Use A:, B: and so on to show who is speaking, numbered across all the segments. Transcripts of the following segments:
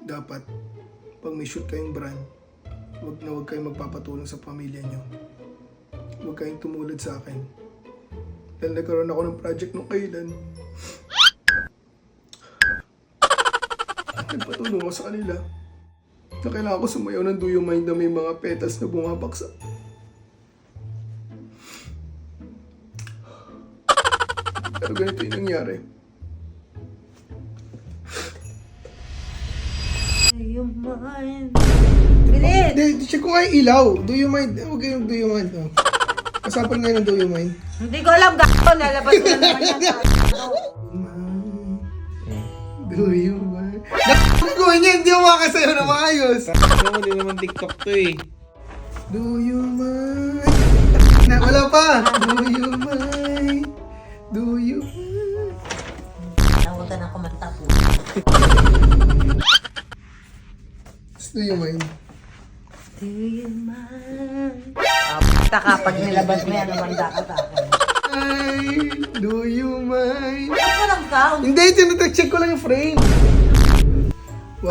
A: dapat, pag may shoot kayong brand, huwag kayong magpapatulong sa pamilya nyo. Huwag kayong tumulad sa akin. Dahil nagkaroon ako ng project nung kailan. Nagpatulong ako sa kanila na kailangan ko sumayaw ng Do You Mind na may mga petals na bumabaksak. Pero ganito yung nangyari.
B: Do you mind? Bilis!
A: Hindi, check ko nga yung ilaw. Do you mind? Huwag kayong do you mind. Oh. Kasapan ngayon ng do you mind.
B: Hindi ko alam, gato. Nalabas ko na naman yan sa
A: Do you mind? Gawin niya, hindi ako makasayo na maayos.
C: Ano mo, di naman TikTok to eh.
A: Do you mind? Na, wala pa. Do you mind? Do you mind?
B: Nawagan ako magtapo.
A: Do you mind?
B: Do you mind? Taka, pag nilabas mo yan, namanda ka sa akin.
A: Ay, do you mind?
B: Ano ko lang sound?
A: Hindi, check ko lang yung frame. 1, 2,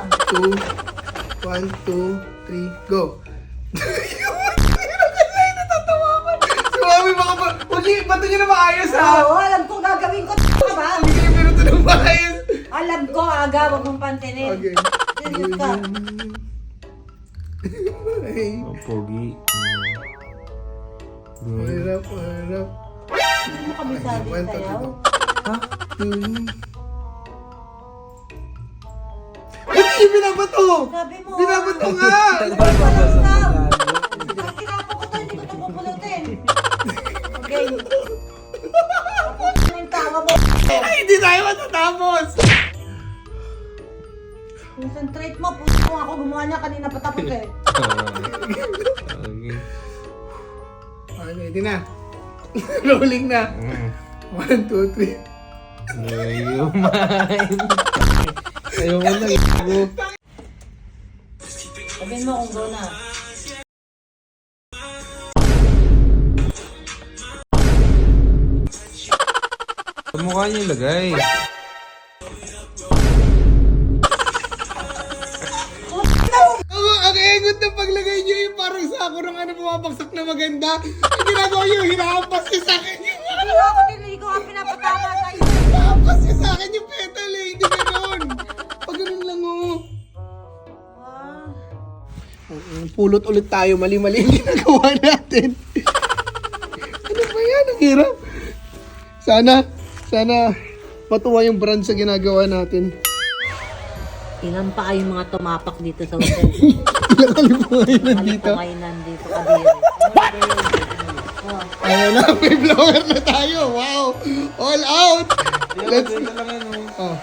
A: 1, 2, 3, go. Si Mami, baka ba? Huwag yung bato niyo na maayos ha.
B: Oo, alam ko gagawin ko. Ka ba?
A: Hindi kayo minuto na maayos.
B: Alam ko, aga, wag mong pantinin.
A: Okay.
B: Serious ka.
A: Ay,
C: Oh, pogi.
A: harap, harap.
B: Hindi mo kami sabi sayaw.
A: Ha? Ba't yung binabato?
B: Sabi mo.
A: Binabato nga!
B: Pag tinapo ko to, hindi ko ito pupulutin. Okay. Tapos na yung tawa mo.
A: Ay, hindi tayo matatapos!
B: Concentrate mo. Puso ko ako gumawa niya kanina patapos eh.
C: Okay.
A: Okay, ready na. Rolling na. 1, 2, 3.
C: Do you mind? Ayaw mo lang ako.
B: Sabihin mo kung go na.
C: Sa mukha niyo ilagay.
A: Ang egot na paglagay niyo yung parang sako ng ano bumabagsak na maganda. Ang ginagawa niyo, hinahampas niyo sa akin yung
B: Ano ako tinili ko nga pinapatama sa'yo.
A: hinahampas niyo sa akin yung petal eh. Hindi ganoon. Pag ganun lang oh. Pulot ulit tayo. Mali-mali yung ginagawa natin. Ano ba yan? Ang hirap. Sana matuwa yung brand sa ginagawa natin.
B: Ilan pa kayong mga tumapak dito sa hotel?
A: Ilang kalipo ngayon nandito.
B: Kayo nandito kadiri.
A: Ayun na, may blower na tayo. Wow! All out! Let's...
C: Ito lang ano.
A: Oh.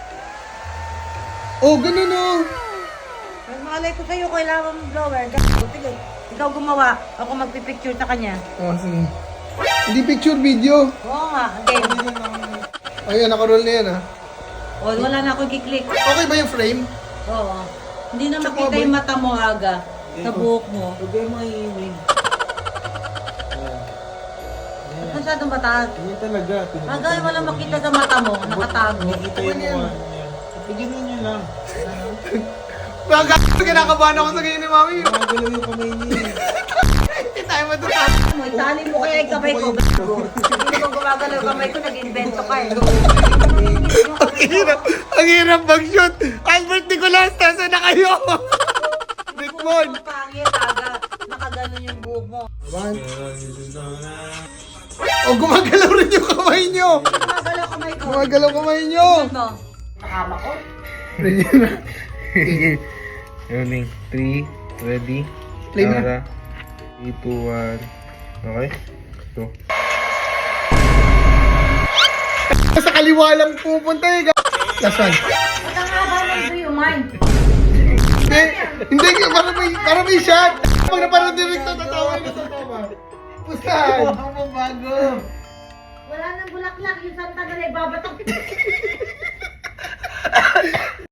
A: Oh, ganun oh.
B: Mas malay ko sa'yo, kailangan mo blower. Sige, ikaw gumawa, ako magpipicture sa kanya.
A: Oh, sige. Hindi picture, video.
B: Oo nga, again.
A: Ayun, nakaroll na yan ha.
B: O, wala na ako i-click.
A: Okay ba yung frame?
B: Oo. Hindi na
A: Tsaka
B: makita
A: ba-
B: yung mata mo aga. Sa buhok mo.
C: Huwag kayo mahihinig.
B: Ba't masyadong mataas?
C: Hindi talaga.
B: Aga, wala makita sa mata mo. Nakatago.
C: Nakikita yung mukha niya. Pigilin niyo lang.
A: Baga, kinakabahan ako sa ganyan ni Mami.
C: Magalaw yung kamay niya.
A: Hindi tayo matutap.
B: Mo, itali mo kaya yung kamay ko. Hindi mo gumagalaw yung kamay ko, nag-invento ka eh.
A: Ang hirap mag-shoot. Albert Nicolas, nasa na kayo? Rickmon.
B: Ang pangit, aga. Nakaganon yung buhok mo.
A: Oh, gumagalaw rin yung kamay nyo.
B: Gumagalaw kamay ko.
A: Gumagalaw kamay nyo.
B: Ano? Nakama ko?
A: Ready na.
C: Running. 3, ready.
A: Play mo na.
C: Tara. 3, 2, 1. Okay? Go.
A: Sa kaliwa lang pupunta eh. Last one.
B: Ba't ang haba ng do you mind?
A: Hindi, para may shot. Pag naparang directo, tatawa na tatawa. Pustahan.
C: Huwag mo bago.
B: Wala nang bulaklak, yung Santa na ibabatok.